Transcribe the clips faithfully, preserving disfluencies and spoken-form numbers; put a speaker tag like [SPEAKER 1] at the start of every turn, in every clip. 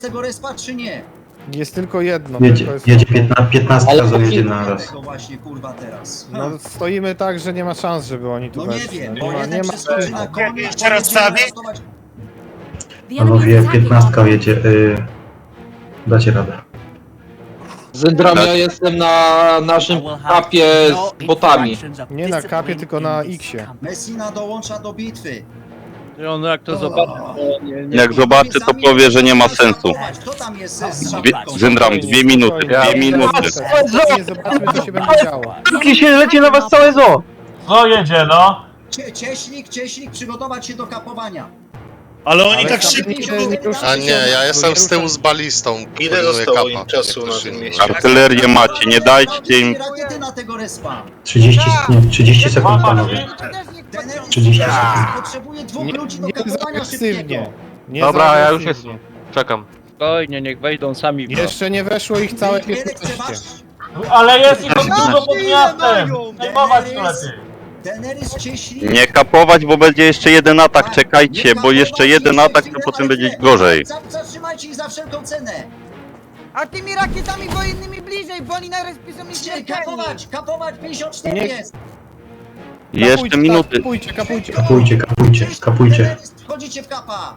[SPEAKER 1] tego respa, czy nie?
[SPEAKER 2] Jest tylko jedno.
[SPEAKER 3] Jedzie,
[SPEAKER 2] tylko jest
[SPEAKER 3] jedzie
[SPEAKER 2] jedno.
[SPEAKER 3] piętnaście razy jedzie na raz.
[SPEAKER 1] Tego właśnie, kurwa, teraz.
[SPEAKER 2] No stoimy tak, że nie ma szans, żeby oni tu
[SPEAKER 1] No nie
[SPEAKER 2] weszli.
[SPEAKER 1] wiem,
[SPEAKER 2] nie
[SPEAKER 1] bo
[SPEAKER 2] ma,
[SPEAKER 1] jeden
[SPEAKER 2] nie ma.
[SPEAKER 1] przeskoczy na konie,
[SPEAKER 4] Jeszcze raz stawię?
[SPEAKER 3] Panowie, piętnastka jedzie. Y... Dacie radę.
[SPEAKER 5] Zendram, ja jestem na naszym kapie z botami.
[SPEAKER 2] Nie na kapie, tylko na X-ie.
[SPEAKER 1] Messina dołącza do bitwy.
[SPEAKER 6] I on jak to zobaczy, to nie, nie.
[SPEAKER 7] Jak zobaczy, to powie, że nie ma sensu.
[SPEAKER 1] Kto tam jest z
[SPEAKER 7] Dwie, Zyndram, dwie minuty, dwie minuty.
[SPEAKER 2] Nie zobaczmy, co się będzie działo.
[SPEAKER 6] Jakie się leci na was całe zo!
[SPEAKER 4] No jedzie, no.
[SPEAKER 1] Cie, cieśnik, cieśnik, przygotować się do kapowania.
[SPEAKER 4] Ale oni
[SPEAKER 2] Ale
[SPEAKER 4] tak
[SPEAKER 2] tam
[SPEAKER 4] szybko...
[SPEAKER 2] nigdy nie rusza
[SPEAKER 8] A
[SPEAKER 2] się,
[SPEAKER 8] nie, ja jestem
[SPEAKER 2] nie
[SPEAKER 8] z tyłu
[SPEAKER 2] rusza.
[SPEAKER 8] z balistą.
[SPEAKER 9] Ile
[SPEAKER 8] pilnuję
[SPEAKER 9] zostało
[SPEAKER 8] kapa,
[SPEAKER 9] im czasu
[SPEAKER 8] jak
[SPEAKER 9] na
[SPEAKER 8] ktoś
[SPEAKER 9] tym
[SPEAKER 8] inny.
[SPEAKER 9] mieście?
[SPEAKER 7] Artylerię macie, nie dajcie im.
[SPEAKER 1] Rakiety na tego respa.
[SPEAKER 3] trzydzieści, nie, trzydzieści sekund, panowie.
[SPEAKER 1] Teneris
[SPEAKER 3] trzydzieści sekund.
[SPEAKER 1] potrzebuje dwóch
[SPEAKER 2] Nie,
[SPEAKER 1] ludzi do
[SPEAKER 2] nie
[SPEAKER 1] kapowania
[SPEAKER 2] agresywnie.
[SPEAKER 1] szybkiego.
[SPEAKER 2] Nie
[SPEAKER 5] Dobra, ja już
[SPEAKER 2] agresywnie.
[SPEAKER 5] Czekam.
[SPEAKER 6] Spokojnie, niech wejdą sami.
[SPEAKER 2] Jeszcze nie weszło ich całe
[SPEAKER 1] Wiele
[SPEAKER 2] piętnaście.
[SPEAKER 1] chce
[SPEAKER 4] Ale jest ich dużo pod miastem. Zajmować to lepiej.
[SPEAKER 1] Teneris cieśnik.
[SPEAKER 7] Nie kapować, bo będzie jeszcze jeden atak, czekajcie, bo jeszcze jeden atak, to potem będzie gorzej.
[SPEAKER 1] Zatrzymajcie ich za wszelką cenę.
[SPEAKER 10] A tymi rakietami wojennymi bliżej, bo oni na respie są
[SPEAKER 1] Chcieli kapować, kapować, pięćdziesiąt cztery
[SPEAKER 2] Nie-
[SPEAKER 1] jest.
[SPEAKER 7] Jeszcze
[SPEAKER 2] Kapujcie,
[SPEAKER 7] minuty.
[SPEAKER 2] Kapujcie, kapujcie.
[SPEAKER 3] Kapujcie, kapujcie, kapujcie.
[SPEAKER 1] Wchodzicie w kapa.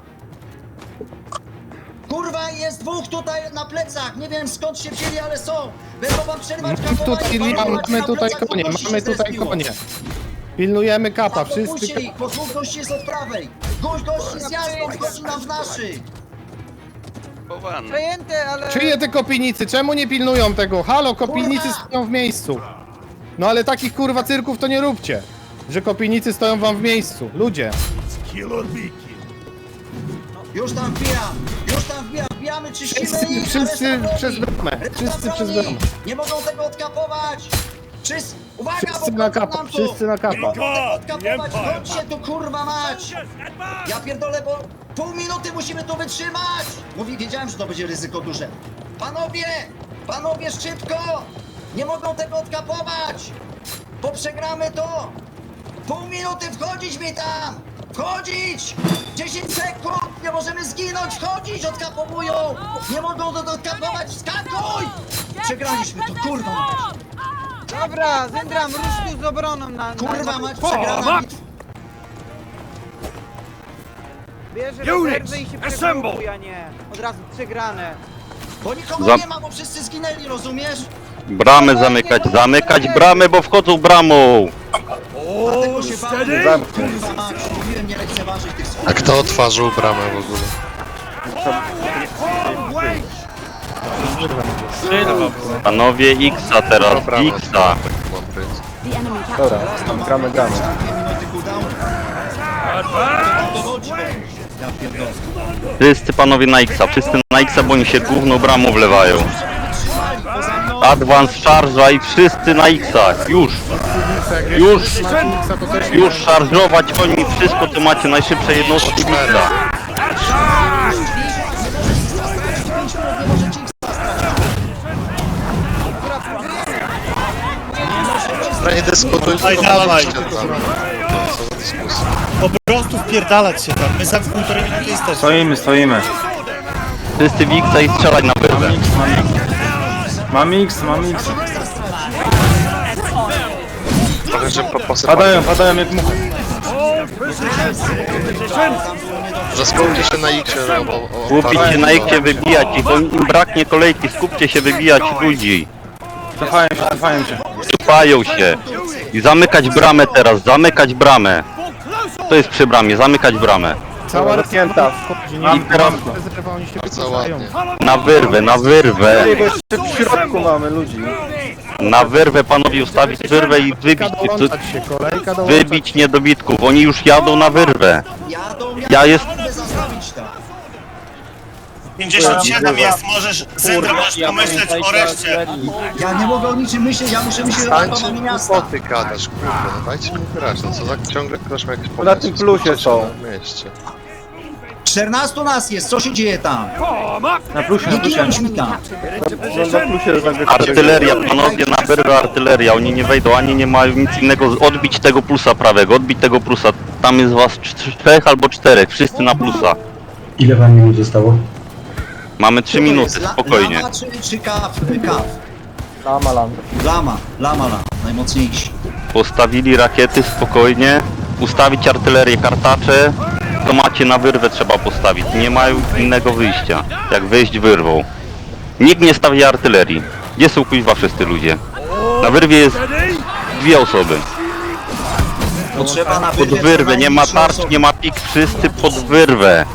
[SPEAKER 1] Kurwa, jest dwóch tutaj na plecach. Nie wiem skąd się wzięli, ale są. Będą wam przerywać kapowanie.
[SPEAKER 2] Tutaj
[SPEAKER 1] panować
[SPEAKER 2] mamy
[SPEAKER 1] na
[SPEAKER 2] tutaj
[SPEAKER 1] plecach,
[SPEAKER 2] konie,
[SPEAKER 1] dwóch gości
[SPEAKER 2] mamy
[SPEAKER 1] się
[SPEAKER 2] tutaj
[SPEAKER 1] zespiło.
[SPEAKER 2] konie. Pilnujemy kapa, wszyscy.
[SPEAKER 1] Puśćcie ich, bo dwóch gości jest od prawej. Gość gości z jasną wchodzi nam w naszych.
[SPEAKER 10] Przejęte, ale...
[SPEAKER 2] Czyje te kopinicy? Czemu nie pilnują tego? Halo, kopinicy
[SPEAKER 1] Kurwa!
[SPEAKER 2] stoją w miejscu. No ale takich kurwa cyrków to nie róbcie. Że kopinicy stoją wam w miejscu. Ludzie.
[SPEAKER 1] Już tam wbijam, już tam wbijam, wbijamy, czyścimy
[SPEAKER 2] Wszyscy,
[SPEAKER 1] ich.
[SPEAKER 2] wszyscy
[SPEAKER 1] reszta broni.
[SPEAKER 2] przez bramę.
[SPEAKER 1] Reszta
[SPEAKER 2] Wszyscy przez
[SPEAKER 1] broni.
[SPEAKER 2] bramę.
[SPEAKER 1] Nie mogą tego odkapować. Wszyscy, uwaga,
[SPEAKER 2] Wszyscy
[SPEAKER 1] bo
[SPEAKER 2] na
[SPEAKER 1] wchodzą
[SPEAKER 2] kapa,
[SPEAKER 1] nam tu.
[SPEAKER 2] wszyscy na kapa.
[SPEAKER 1] Nie mogą tego odkapować, chodźcie tu kurwa mać. Ja pierdolę, bo pół minuty musimy tu wytrzymać. Mówi, wiedziałem, że to będzie ryzyko duże. Panowie, panowie szybko. Nie mogą tego odkapować. Bo przegramy to. Pół minuty, wchodzić mi tam. Wchodzić! dziesięć sekund! Nie możemy zginąć! Wchodzić! Odkapowują! Nie mogą to odkapować! Skakuj! Przegraliśmy to, kurwa mać!
[SPEAKER 10] Dobra, Zendram, rusz tu z obroną na... na
[SPEAKER 1] Kurwa mać, przegrana bitwa!
[SPEAKER 10] Bierze rezerwę i się przegrupuj, a nie od razu przegrane.
[SPEAKER 1] Bo nikogo
[SPEAKER 7] Za-
[SPEAKER 1] nie ma, bo wszyscy zginęli, rozumiesz?
[SPEAKER 7] Bramę zamykać, zamykać bramę, bo wchodzą bramą.
[SPEAKER 1] Dlatego się bałem. Kurwa mać, mówiłem nie lekceważyć tych
[SPEAKER 8] A
[SPEAKER 1] swoich.
[SPEAKER 8] kto otworzył bramę w ogóle?
[SPEAKER 7] Panowie X-a teraz, X-a.
[SPEAKER 2] Dobra, gramy, gramy.
[SPEAKER 1] Dwie minuty cooldown. Dowodź. Ja pierdolę.
[SPEAKER 7] Wszyscy panowie na X-a, wszyscy na X-a, bo oni się główną bramą wlewają.
[SPEAKER 1] Trzymali, poza mną.
[SPEAKER 7] Advance szarża i wszyscy na X-ach, już. Już, już szarżować oni wszystko, co macie, najszybsze jednostki X-a.
[SPEAKER 8] No nie dyskutuj,
[SPEAKER 4] Daj,
[SPEAKER 8] tylko
[SPEAKER 4] dawaj.
[SPEAKER 8] walczcie tam. Co za dyskusja.
[SPEAKER 4] Po prostu wpierdalać się tam. My za półtorej minuty jesteśmy.
[SPEAKER 2] Stoimy, stoimy.
[SPEAKER 7] Wszyscy w X-a i strzelać na wyrwę.
[SPEAKER 2] Mam X, mam X.
[SPEAKER 8] Trochę, że po posypaniu.
[SPEAKER 2] padają jak muchy.
[SPEAKER 8] Że skupcie się na X, że o, o, o,
[SPEAKER 7] Skupić się na X-ie, wybijać ich, bo im braknie kolejki, skupcie się, wybijać ludzi.
[SPEAKER 2] Cofają się, cofają się.
[SPEAKER 7] Cofają się. I zamykać bramę teraz, zamykać bramę. To jest przy bramie, zamykać bramę.
[SPEAKER 2] Cała rozpięta.
[SPEAKER 7] I teraz
[SPEAKER 2] Rezerwa, oni się
[SPEAKER 8] bardzo
[SPEAKER 2] wycofają.
[SPEAKER 8] ładnie.
[SPEAKER 7] na wyrwę, na wyrwę.
[SPEAKER 2] W środku mamy ludzi.
[SPEAKER 7] Na wyrwę panowie ustawić wyrwę i wybić,
[SPEAKER 2] Dołączać się, kolejka dołączać.
[SPEAKER 7] wybić niedobitków. Oni już jadą na wyrwę.
[SPEAKER 1] Jadą,
[SPEAKER 7] Ja jest...
[SPEAKER 1] jadą, zastawić tam.
[SPEAKER 4] pięćdziesiąt siedem jest, możesz, Zendra, możesz pomyśleć o reszcie.
[SPEAKER 1] Ja nie mogę o niczym myśleć, ja muszę myśleć o
[SPEAKER 8] Stańcie
[SPEAKER 1] ratowaniu miasta.
[SPEAKER 8] głupoty gadasz, kurde, no dajcie mi grać, no co za ciągle ktoś ma jakieś pomysły.
[SPEAKER 2] Na tym plusie są.
[SPEAKER 8] Na mieście.
[SPEAKER 1] czternastu nas jest, co się dzieje tam?
[SPEAKER 2] Na plusie,
[SPEAKER 1] Nie
[SPEAKER 2] na plusie.
[SPEAKER 1] ginąć mi tam.
[SPEAKER 2] Na plusie zagrać.
[SPEAKER 7] Artyleria, panowie, na wyrwę artyleria. Oni nie wejdą, ani nie mają nic innego. Odbić tego plusa prawego, odbić tego plusa. Tam jest was czterech albo czterech, wszyscy na plusa.
[SPEAKER 3] Ile wam minut zostało?
[SPEAKER 7] Mamy trzy
[SPEAKER 1] Co to
[SPEAKER 7] minuty,
[SPEAKER 1] jest? La-
[SPEAKER 7] spokojnie.
[SPEAKER 1] Lama czy, czy kaf? Kaf.
[SPEAKER 6] Lama, lama.
[SPEAKER 1] Lama, lama, lama. Najmocniejsi.
[SPEAKER 7] Postawili rakiety spokojnie. Ustawić artylerię, kartacze. To macie na wyrwę trzeba postawić. Nie mają innego wyjścia. Jak wyjść wyrwą. Nikt nie stawia artylerii. Gdzie są kuźwa wszyscy ludzie? Na wyrwie jest dwie osoby.
[SPEAKER 1] Potrzeba na
[SPEAKER 7] Pod
[SPEAKER 1] wyrwie
[SPEAKER 7] wyrwę, nie ma
[SPEAKER 1] co najmniej trzy
[SPEAKER 7] tarcz,
[SPEAKER 1] osoby.
[SPEAKER 7] nie ma pik, wszyscy pod wyrwę.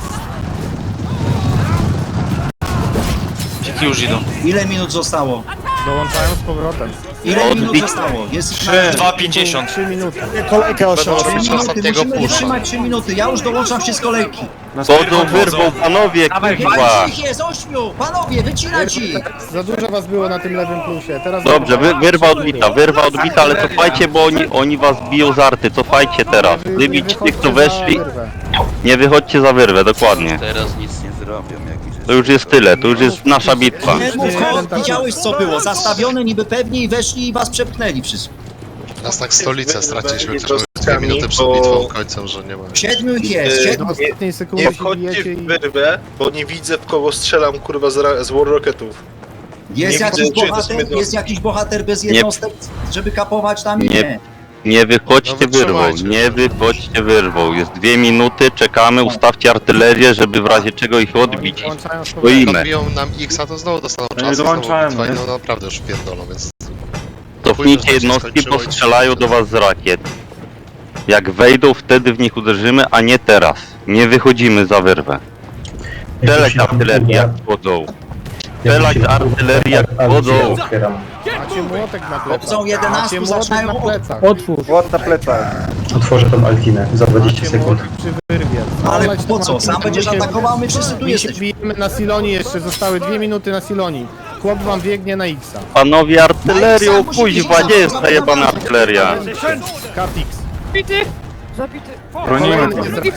[SPEAKER 1] Ile minut zostało?
[SPEAKER 2] Dołączają z powrotem.
[SPEAKER 1] Ile minut
[SPEAKER 7] Odbić.
[SPEAKER 1] zostało? Jest
[SPEAKER 9] dwa pięćdziesiąt.
[SPEAKER 2] trzy minuty.
[SPEAKER 8] Kolejkę
[SPEAKER 1] trzy
[SPEAKER 8] osiągnąć
[SPEAKER 1] minuty,
[SPEAKER 8] ostatniego
[SPEAKER 1] musimy
[SPEAKER 8] pusza.
[SPEAKER 1] wytrzymać trzy minuty. Ja już dołączam się z kolejki.
[SPEAKER 7] Chodzą wyrwą, panowie, kuźwa.
[SPEAKER 1] Pięć ich jest, ośmiu! Panowie, wycinać ich!
[SPEAKER 2] Za dużo was było na tym lewym plusie. Teraz
[SPEAKER 7] Dobrze, wy, wyrwa odbita, wyrwa odbita, ale cofajcie, bo oni, oni was biją z arty, cofajcie teraz. Wybić tych, co weszli, nie wychodźcie za wyrwę, dokładnie.
[SPEAKER 9] Teraz nic nie zrobią, jakiś
[SPEAKER 7] To już jest tyle, to już jest nasza bitwa.
[SPEAKER 1] Nie mów, Holt, widziałeś co było? Zastawione niby pewnie i weszli i was przepchnęli wszystko.
[SPEAKER 8] Nas tak stolicę straciliśmy, którzy mamy dwie minuty przed bitwą końcem, że nie ma.
[SPEAKER 1] Siedmiu ich jest,
[SPEAKER 2] Do
[SPEAKER 1] siedmiu.
[SPEAKER 2] ostatniej sekundy
[SPEAKER 11] Nie
[SPEAKER 2] się
[SPEAKER 11] wchodźcie
[SPEAKER 2] bijecie
[SPEAKER 11] w
[SPEAKER 2] i...
[SPEAKER 11] wyrwę, bo nie widzę w kogo strzelam kurwa z, ra- z War Rocketów.
[SPEAKER 1] Jest
[SPEAKER 11] Nie
[SPEAKER 1] jakiś
[SPEAKER 11] widzę, czy to
[SPEAKER 1] bohater,
[SPEAKER 11] jest
[SPEAKER 1] jest jakiś bohater bez jednostek, żeby kapować tam i
[SPEAKER 7] Nie.
[SPEAKER 1] nie.
[SPEAKER 7] Nie wychodźcie
[SPEAKER 8] No
[SPEAKER 7] wyrwą,
[SPEAKER 8] wytrzymajcie.
[SPEAKER 7] nie wychodźcie wyrwą. Jest dwie minuty, czekamy, ustawcie artylerię, żeby w razie czego ich odbić.
[SPEAKER 2] Dołączają z powrotem.
[SPEAKER 7] Stoimy.
[SPEAKER 8] Odbiją nam X, a to znowu dostaną czas, znowu bitwa i no naprawdę już pierdolą, więc...
[SPEAKER 7] Cofnijcie jednostki, bo strzelają do was z rakiet. Jak wejdą, wtedy w nich uderzymy, a nie teraz. Nie wychodzimy za wyrwę. Strzelać artylerię jak wchodzą. Strzelać artylerię jak wchodzą.
[SPEAKER 2] Macie młotek na plecach.
[SPEAKER 1] Obcą jedenastu
[SPEAKER 2] Macie młotek
[SPEAKER 1] zaczynają
[SPEAKER 2] na
[SPEAKER 1] od-
[SPEAKER 2] plecach.
[SPEAKER 6] Otwórz.
[SPEAKER 11] Ład na plecach.
[SPEAKER 3] Otworzę tą Altinę za dwadzieścia
[SPEAKER 2] Macie
[SPEAKER 3] sekund.
[SPEAKER 2] młotek przy wyrwie.
[SPEAKER 1] Ale
[SPEAKER 2] Olać
[SPEAKER 1] po
[SPEAKER 2] tą
[SPEAKER 1] co? Sam
[SPEAKER 2] Altinę.
[SPEAKER 1] będziesz
[SPEAKER 2] My się-
[SPEAKER 1] atakował, my wszyscy tu
[SPEAKER 2] My się
[SPEAKER 1] jesteśmy.
[SPEAKER 2] bijemy na Silonii jeszcze, zostały dwie minuty na Silonii. Chłop wam biegnie na X-a.
[SPEAKER 7] Panowie, artylerią, kuźwa, gdzie jest ta jebana artyleria?
[SPEAKER 2] Katix.
[SPEAKER 10] Zabity! Zabity!
[SPEAKER 2] Bronimy.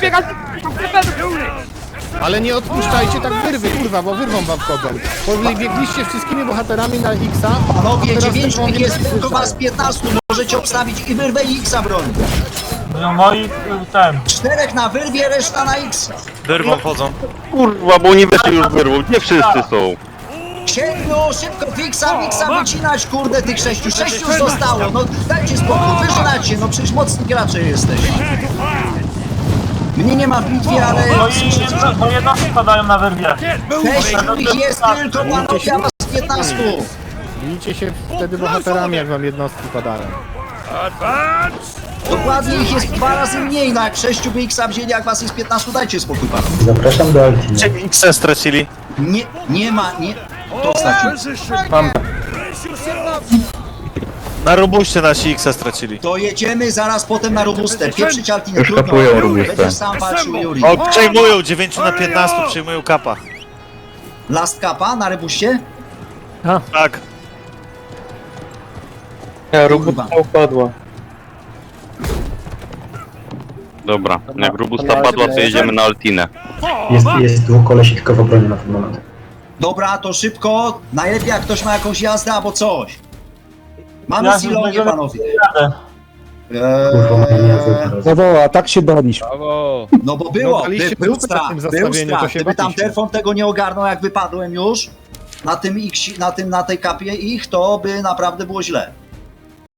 [SPEAKER 10] I
[SPEAKER 2] Ale nie odpuszczajcie tak wyrwy, kurwa, bo wyrwą wam wchodzą. Bo biegliście wszystkimi bohaterami na X-a.
[SPEAKER 1] Panowie,
[SPEAKER 2] teraz
[SPEAKER 1] dziewięciu
[SPEAKER 2] wyrwą
[SPEAKER 1] ich
[SPEAKER 2] nie
[SPEAKER 1] jest, tylko
[SPEAKER 2] słyszałem.
[SPEAKER 1] was piętnastu. Możecie obstawić i wyrwę i X-a broni.
[SPEAKER 4] No moi ten.
[SPEAKER 1] Czterech na wyrwie, reszta na X.
[SPEAKER 9] Wyrwą wchodzą.
[SPEAKER 7] Kurwa, bo oni weszli już wyrwą, gdzie wszyscy są?
[SPEAKER 1] Siedmiu, szybko, Fixa, Fixa wycinać, kurde, tych sześciu. Sześciu już zostało, no dajcie spokój, wyżynacie, no przecież mocni gracze jesteś. Mnie nie ma w bitwie, ale
[SPEAKER 4] No i jedno, no jednostki padają na wyrwie.
[SPEAKER 1] sześciu ich jest tylko, panowie, a was piętnastu.
[SPEAKER 2] Bijcie się wtedy bohaterami, jak wam jednostki padają.
[SPEAKER 1] Dokładnie ich jest dwa razy mniej, no jak sześciu by X-a wzięli, jak was jest piętnastu, dajcie spokój, panowie.
[SPEAKER 3] Zapraszam do Altiny.
[SPEAKER 11] X stracili.
[SPEAKER 1] Nie, nie ma, nie, to stracił.
[SPEAKER 11] Na robuście nasi X stracili.
[SPEAKER 1] To jedziemy zaraz potem na robustę, pieprzyć Altinę,
[SPEAKER 3] Już
[SPEAKER 1] trudno,
[SPEAKER 3] kapują robustę.
[SPEAKER 1] będziesz sam walczył, Juri.
[SPEAKER 11] O, przejmują, dziewięć na piętnaście przejmują kapa.
[SPEAKER 1] Last Cupa na rebuście?
[SPEAKER 11] Tak.
[SPEAKER 1] Kurwa.
[SPEAKER 6] upadła.
[SPEAKER 7] Dobra, jak robusta padła, to jedziemy na Altinę.
[SPEAKER 3] Jest, jest dwóch kolesi tylko w obronie na ten moment.
[SPEAKER 1] Dobra, to szybko, najlepiej jak ktoś ma jakąś jazdę albo coś. Mamy
[SPEAKER 4] Ja
[SPEAKER 1] Silonię,
[SPEAKER 4] będziemy-
[SPEAKER 1] panowie.
[SPEAKER 3] Kurwa, moja nie
[SPEAKER 1] Eee,
[SPEAKER 3] teraz.
[SPEAKER 2] Zawoła, tak się daliśmy.
[SPEAKER 6] Brawo.
[SPEAKER 1] no bo było,
[SPEAKER 2] No, daliście
[SPEAKER 1] by, był
[SPEAKER 2] dupę
[SPEAKER 1] strach,
[SPEAKER 2] na tym
[SPEAKER 1] był
[SPEAKER 2] zestawieniu,
[SPEAKER 1] strach.
[SPEAKER 2] to się
[SPEAKER 1] Gdyby tam
[SPEAKER 2] baliście.
[SPEAKER 1] Terfon tego nie ogarnął, jak wypadłem już na tym, X, na tym, na tej kapie ich, to by naprawdę było źle.